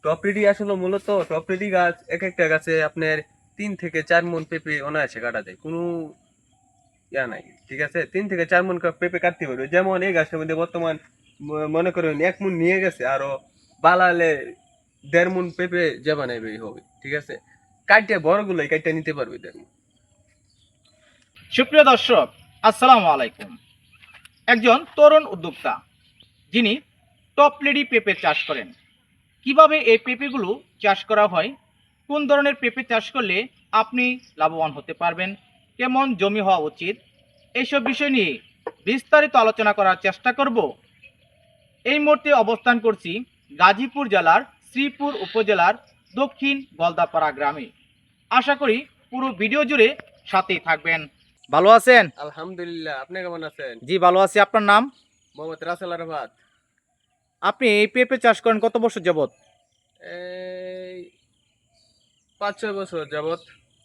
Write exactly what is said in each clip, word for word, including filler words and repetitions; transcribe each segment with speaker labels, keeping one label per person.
Speaker 1: টপরিডি আসলে মূলত টপরিডি গাছ এক একটা গাছে আপনার তিন থেকে চার মন পেঁপে অনায়াসে কাটা যায়, কোনো ইয়া নাই। ঠিক আছে, তিন থেকে চার মন কা- পেঁপে কাটতে পারবে। যেমন এই গাছের মধ্যে বর্তমান ম- মনে করেন এক মন নিয়ে গেছে, আরো বালালে দেড় মন পেঁপে যে বানাইবে হবে। ঠিক আছে, কাটতে বড়গুলোই কাটতে নিতে পারবে দেড় মণ।
Speaker 2: সুপ্রিয় দর্শক, আসসালামু আলাইকুম। একজন তরুণ উদ্যোক্তা যিনি টপ লেডি পেঁপে চাষ করেন। কিভাবে এই পেঁপেগুলো চাষ করা হয়, কোন ধরনের পেঁপে চাষ করলে আপনি লাভবান হতে পারবেন, কেমন জমি হওয়া উচিত, এইসব বিষয় নিয়ে বিস্তারিত আলোচনা করার চেষ্টা করব। এই মুহূর্তে অবস্থান করছি গাজীপুর জেলার শ্রীপুর উপজেলার দক্ষিণ গলদাপাড়া গ্রামে। আশা করি পুরো ভিডিও জুড়ে সাথেই থাকবেন। ভালো আছেন?
Speaker 1: আলহামদুলিল্লাহ, আপনি কেমন আছেন?
Speaker 2: জি ভালো আছি। আপনার নাম?
Speaker 1: মোহাম্মদ রাসেল আরাফাত।
Speaker 2: আপনি এই পেঁপে চাষ করেন কত বছর যাবত?
Speaker 1: এই পাঁচ ছয় বছর যাবত।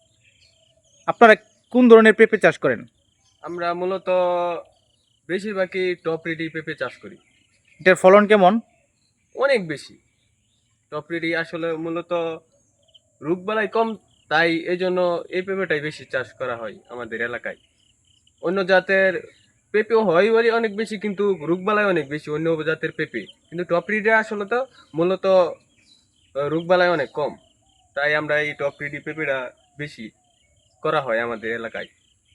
Speaker 2: আপনারা কোন ধরনের পেঁপে চাষ করেন?
Speaker 1: আমরা মূলত বেশিরভাগই টপ রেডি পেঁপে চাষ করি।
Speaker 2: এটার ফলন কেমন?
Speaker 1: অনেক বেশি। টপ রেডি আসলে মূলত রোগবালাই কম, তাই এই জন্য এই পেঁপেটাই বেশি চাষ করা হয় আমাদের এলাকায়। অন্য জাতের পেঁপেও হয় বলে অনেক বেশি, কিন্তু রোগবালাই অনেক বেশি অন্য জাতের পেঁপে। কিন্তু টপ রেডি আসলে তো মূলত আহ, রোগবালাই অনেক কম, তাই আমরা এই টপ রেডি পেঁপেটা বেশি করা হয় আমাদের এলাকায়।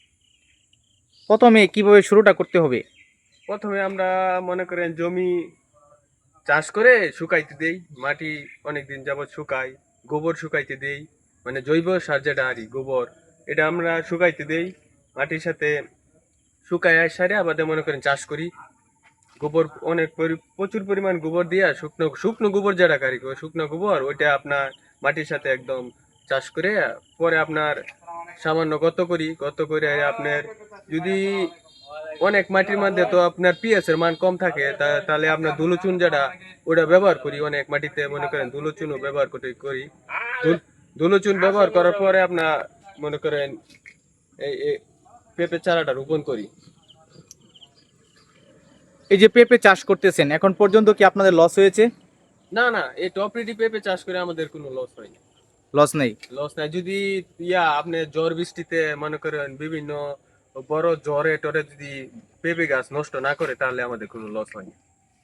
Speaker 2: প্রথমে কিভাবে শুরুটা করতে হবে?
Speaker 1: প্রথমে আমরা মনে করেন জমি চাষ করে শুকাইতে দেই, মাটি অনেকদিন যাবত শুকাই, গোবর শুকাইতে দেই, মানে জৈব সার যেটা আর কি, গোবর, এটা আমরা শুকাইতে দেই মাটির সাথে। শুকায় সারে আবার মনে করেন চাষ করি। গোবর অনেক পরি- প্রচুর পরিমাণ গোবর দিয়া, শুকনো শুকনো গোবর যেটা কারি, শুকনো গোবর ওইটা আপনার মাটির সাথে একদম চাষ করে পরে আপনার সামান্য গত করি, গত করে আপনার যদি অনেক মাটির মধ্যে তো আপনার পিএস এর মান কম থাকে, তা- তাহলে আপনার ধুলোচুন যেটা ওটা ব্যবহার করি। অনেক মাটিতে মনে করেন ধুলোচুনও ব্যবহার করতে করি। ধুল- ধুলোচুন ব্যবহার করার পরে আপনার মনে করেন এই এই পেঁপে চারাটা রোপণ করি।
Speaker 2: এই যে পেঁপে চাষ করতেছেন, এখন পর্যন্ত কি আপনাদের লস হয়েছে?
Speaker 1: না না, এই টপ রেডি পেঁপে চাষ করে আমাদের কোনো লস হয়নি।
Speaker 2: লস নেই।
Speaker 1: লস নাই। যদি ইয়া আপনি ঝড় বৃষ্টিতে মনে করেন বিভিন্ন বড় জ্বরে টরে যদি পেঁপে গাছ নষ্ট না করে, তাহলে আমাদের কোনো লস হয়নি।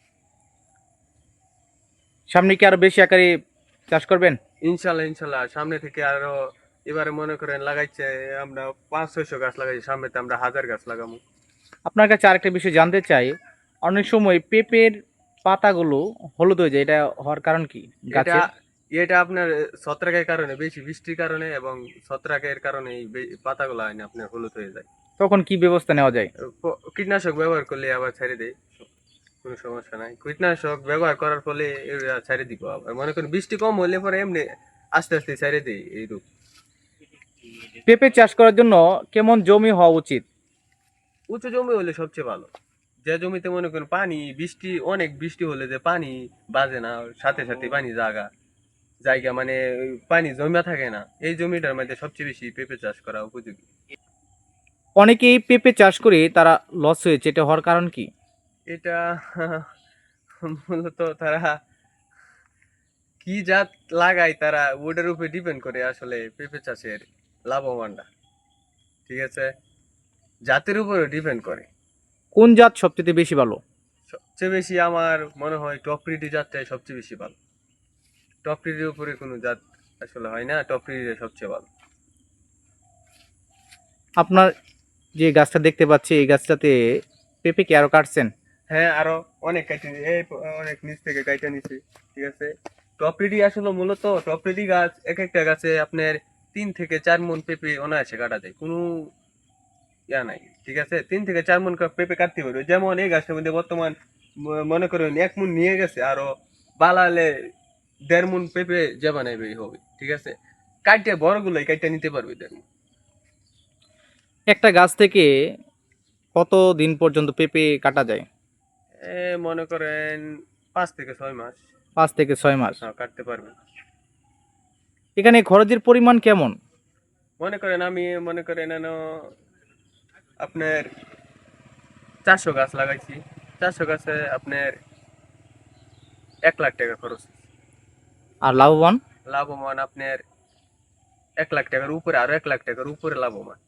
Speaker 2: সামনে কি আরো বেশি আকারে চাষ করবেন?
Speaker 1: ইনশাল্লাহ ইনশাল্লাহ, সামনে থেকে আরো এবারে মনে করেন লাগাইছে আমরা পাঁচ ছয়শো গাছ লাগাইছি, সামনেতে আমরা হাজার গাছ লাগাবো।
Speaker 2: আপনার কাছে আরেকটা বিষয় জানতে চাই। অনেক সময় পেঁপের পাতাগুলো হলুদ হয়ে যায়, এটা হওয়ার কারণ কি
Speaker 1: এটা
Speaker 2: গাছের?
Speaker 1: এটা আপনার ছত্রাকের কারণে, বেশি বৃষ্টির কারণে এবং ছত্রাকের কারণে এই বে- পাতাগুলো হয় না আপনার হলুদ হয়ে যায়।
Speaker 2: তখন কি ব্যবস্থা নেওয়া যায়?
Speaker 1: প- কীটনাশক ব্যবহার করলে আবার ছেড়ে দেয়, কোনো সমস্যা নাই। কীটনাশক ব্যবহার করার ফলে এরা ছেড়ে দিব। আবার মনে করেন বৃষ্টি কম হলে পরে এমনি আস্তে আস্তে ছেড়ে দেয় এই রূপ।
Speaker 2: পেঁপে চাষ করার জন্য কেমন জমি হওয়া উচিত?
Speaker 1: উঁচু জমি হলে সবচেয়ে ভালো। যে জমিতে মনে করেন পানি বৃষ্টি অনেক বৃষ্টি হলে যে পানি বাজে না, সাথে সাথে পানি জায়গা জায়গা মানে ওই পানি জমা থাকে না, এই জমিটার মধ্যে সবচেয়ে বেশি পেঁপে চাষ করা উপযোগী।
Speaker 2: অনেকেই পেঁপে চাষ করে তারা লস হয়েছে, এটা হওয়ার কারণ কি?
Speaker 1: এটা মূলত তারা কি জাত লাগায়, তারা ওটার উপরে ডিপেন্ড করে আসলে পেঁপে চাষের লাভবানটা। ঠিক আছে, জাতের উপরে ডিপেন্ড করে।
Speaker 2: কোন জাত সবচেয়ে বেশি ভালো?
Speaker 1: সবচেয়ে বেশি আমার মনে হয় টপরিডি জাতটাই সবচেয়ে বেশি ভালো। টপরিডির উপরে কোনো জাত আসলে হয় না, টপরিডি সবচেয়ে ভালো।
Speaker 2: আপনার যে গাছটা দেখতে পাচ্ছি, এই গাছটাতে পেঁপে কি আরো কাটছেন?
Speaker 1: হ্যাঁ, আরো অনেক কাইটে নি- এই প- অনেক নিচ থেকে কাইটে নিছি। ঠিক আছে, টপরিডি আসলে মূলত টপরিডি গাছ এক একটা গাছে আপনার তিন থেকে চার মন পেঁপে অনায়াসে কাটা যায়, কোনো ইয়া নাই। ঠিক আছে, তিন থেকে চার মন কা- পেঁপে কাটতে পারবে। যেমন এই গাছটার মধ্যে বর্তমান ম- মনে করেন এক মন নিয়ে গেছে, আরো বালালে দেড় মন পেঁপে যে বানাইবে হবে। ঠিক আছে, কাইটে বড়গুলোই কাইটে নিতে পারবে দেড় মণ।
Speaker 2: একটা গাছ থেকে কত দিন পর্যন্ত পেঁপে কাটা যায়?
Speaker 1: এ মনে করেন পাঁচ থেকে ছয় মাস।
Speaker 2: পাঁচ থেকে ছয় মাস।
Speaker 1: হ্যাঁ, কাটতে পারবে।
Speaker 2: এখানে খরচের পরিমাণ কেমন?
Speaker 1: মনে করেন আমি মনে করেন এন আপনার চারশো গাছ লাগাইছি, চারশো গাছে আপনার এক লাখ টাকা খরচ।
Speaker 2: আর লাভবান?
Speaker 1: লাভবান আপনার এক লাখ টাকার উপরে, আরো এক লাখ টাকার উপরে লাভবান।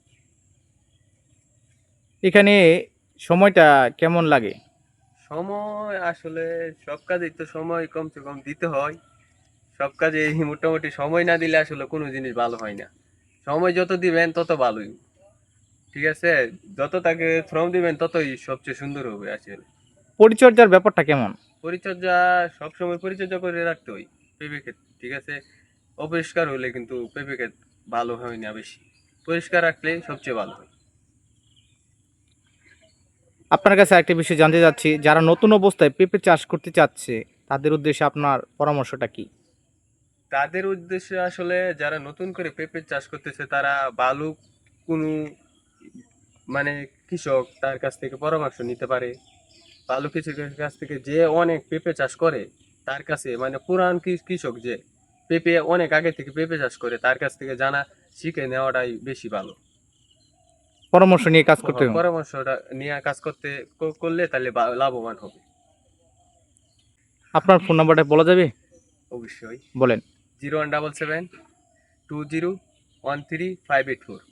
Speaker 2: এখানে সময়টা কেমন লাগে?
Speaker 1: সময় আসলে সব কাজেই তো সময় কমসে কম দিতে হয়। সব কাজে মোটামুটি সময় না দিলে আসলে কোনো জিনিস ভালো হয় না। সময় যত দিবেন তত ভালোই, ঠিক আছে? যত তাকে শ্রম দিবেন ততই সবচেয়ে সুন্দর হবে আসলে।
Speaker 2: পরিচর্যার ব্যাপারটা কেমন?
Speaker 1: পরিচর্যা সবসময় পরিচর্যা করে রাখতে হয় পেঁপে ক্ষেত, ঠিক আছে? অপরিষ্কার হলে কিন্তু পেঁপে ক্ষেত ভালো হয় না বেশি, পরিষ্কার রাখলে সবচেয়ে ভালো হয়।
Speaker 2: আপনার কাছে একটা বিষয় জানতে চাচ্ছি, যারা নতুন অবস্থায় পেঁপে চাষ করতে চাচ্ছে তাদের উদ্দেশ্যে আপনার পরামর্শটা কি?
Speaker 1: তাদের উদ্দেশ্যে আসলে যারা নতুন করে পেঁপে চাষ করতেছে তারা ভালো কোনো মানে কৃষক তার কাছ থেকে পরামর্শ নিতে পারে। ভালো কৃষকের কাছ থেকে, যে অনেক পেঁপে চাষ করে তার কাছে, মানে পুরান কৃ- কৃষক যে পেঁপে অনেক আগে থেকে পেঁপে চাষ করে তার কাছ থেকে জানা শিখে নেওয়াটাই বেশি ভালো।
Speaker 2: পরামর্শ নিয়ে কাজ করতে হবে।
Speaker 1: পরামর্শটা নিয়ে কাজ করতে ক- করলে তাহলে বা- লাভবান হবে।
Speaker 2: আপনার ফোন নাম্বারটা বলা যাবে?
Speaker 1: অবশ্যই।
Speaker 2: বলেন।
Speaker 1: Zero one double seven two zero one three five eight four.